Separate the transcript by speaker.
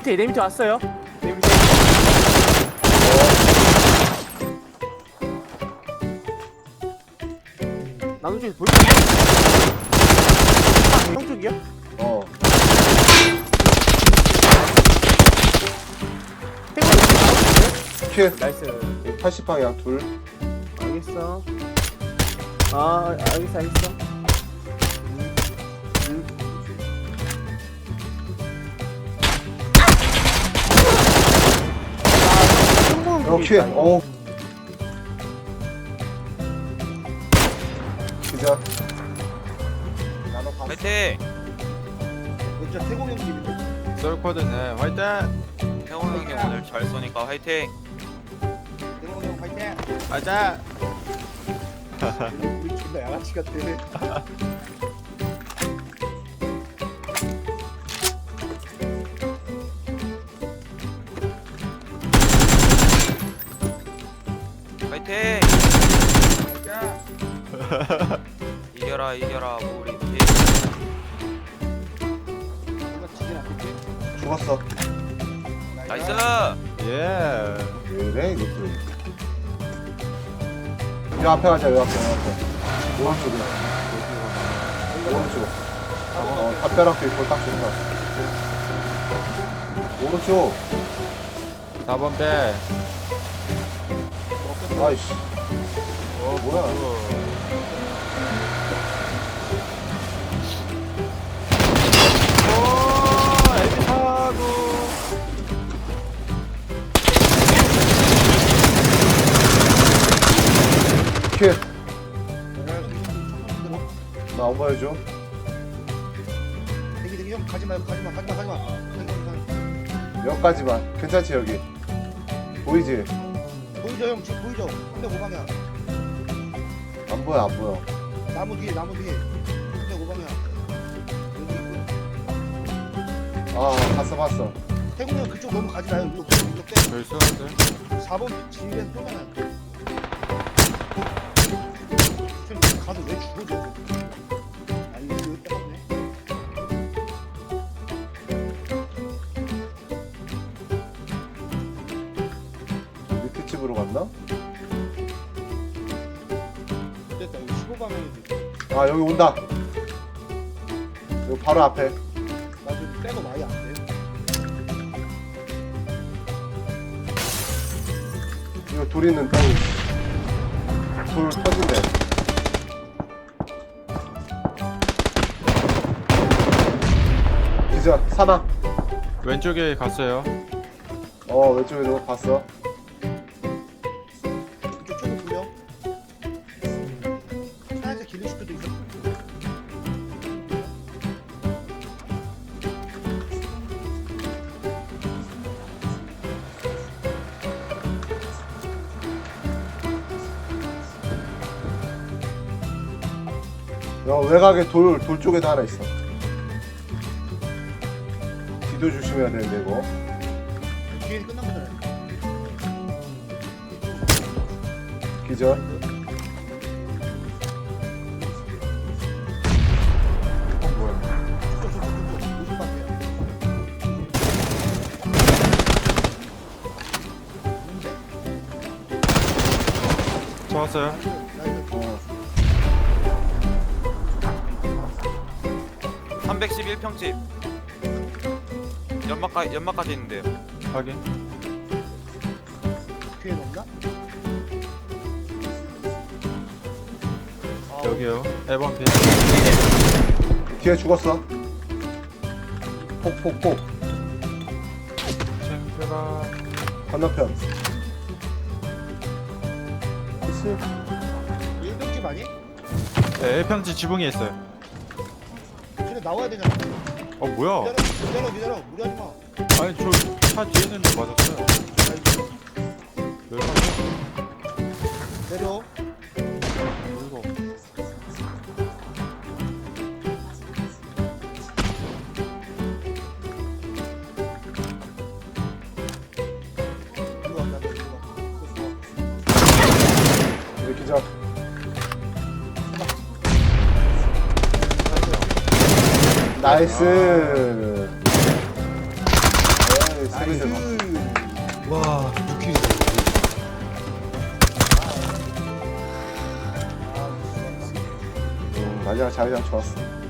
Speaker 1: 내 밑에 왔어요. 내 밑에. 나도 쪽에서 볼게. 형 쪽이야?
Speaker 2: 킬.
Speaker 1: 나이스.
Speaker 2: 80방향 둘.
Speaker 1: 알겠어. 아, 알겠어.
Speaker 2: 킬. 기자.
Speaker 3: 화이팅!
Speaker 4: 진짜 태공 형 집인데.
Speaker 5: 썰코드네 화이팅!
Speaker 3: 태호 형이 오늘 잘 쏘니까 화이팅!
Speaker 4: 태공 형 화이팅.
Speaker 5: 가자!
Speaker 4: 우리 존나 양아치 같아.
Speaker 3: 화이팅! 이겨라 우리 팀.
Speaker 4: 뭔가 지진 않겠지?
Speaker 2: 죽었어.
Speaker 3: 나이스!
Speaker 5: 예!
Speaker 2: 왜래 이것도. 요 앞에 가자. 요 앞에. 오른쪽으로. 오른쪽. 담벼락도 있고 딱 좋은 거 같아. 오른쪽.
Speaker 5: 4번 배!
Speaker 2: 아이씨. 뭐야.
Speaker 5: 오! 에비타고!
Speaker 2: 킬. 나 안 보여줘.
Speaker 4: 대기 형 가지 마.
Speaker 2: 여기까지만. 괜찮지 여기. 보이지?
Speaker 4: 보이죠 형 지금 보이죠? 305방향.
Speaker 2: 안 보여.
Speaker 4: 나무 뒤에 305방향. 여기 있고.
Speaker 2: 아 봤어.
Speaker 4: 태공 형 그쪽 너무 가지 마요. 이쪽 빼.
Speaker 5: 저기 쏘는데?
Speaker 4: 4번 집에서 쏘잖아요. 형 가서 왜 죽어줘? 아니 이거 빼먹네.
Speaker 2: 밑에 집으로 갔나?
Speaker 4: 됐다. 여기 15방향이지.
Speaker 2: 아 여기 온다. 여기 바로 앞에.
Speaker 4: 나 지금 빼고 많이 안 돼.
Speaker 2: 이거 돌 있는 땅. 돌 터진대. 기자 사나.
Speaker 5: 왼쪽에 갔어요.
Speaker 2: 왼쪽에도 봤어.
Speaker 4: 이쪽 쪽으로 불려. 차에서 길릴 수도 있어.
Speaker 2: 외곽에 돌 쪽에도 하나 있어. 뒤도 조심해야 되는데 이거.
Speaker 4: 뒤에 끝난 거잖아요.
Speaker 2: 기절.
Speaker 5: 뭐야?
Speaker 4: 쪽. 50방향.
Speaker 5: 좋았어요.
Speaker 2: 어.
Speaker 3: 311평집 연막까지 있는데요.
Speaker 5: 확인.
Speaker 4: 뒤에 넣나?
Speaker 5: 여기요. 1번 배.
Speaker 2: 뒤에 죽었어. 폭.
Speaker 5: 챙겨라.
Speaker 2: 건너편. 있어.
Speaker 4: 1병집 아니?
Speaker 5: 네, 1평지 지붕에 있어요.
Speaker 4: 근데 나와야 되잖아.
Speaker 5: 뭐야?
Speaker 4: 기다려. 무리하지 마.
Speaker 5: 아니, 저 차 뒤에 있는데 맞았어요. 열받아.
Speaker 4: 내려.
Speaker 5: 이거.
Speaker 4: 일로 와.
Speaker 2: 여기 기절. 나이스. 세개 잡았어.
Speaker 4: 와 6킬.
Speaker 2: 마지막 자기장 좋았어.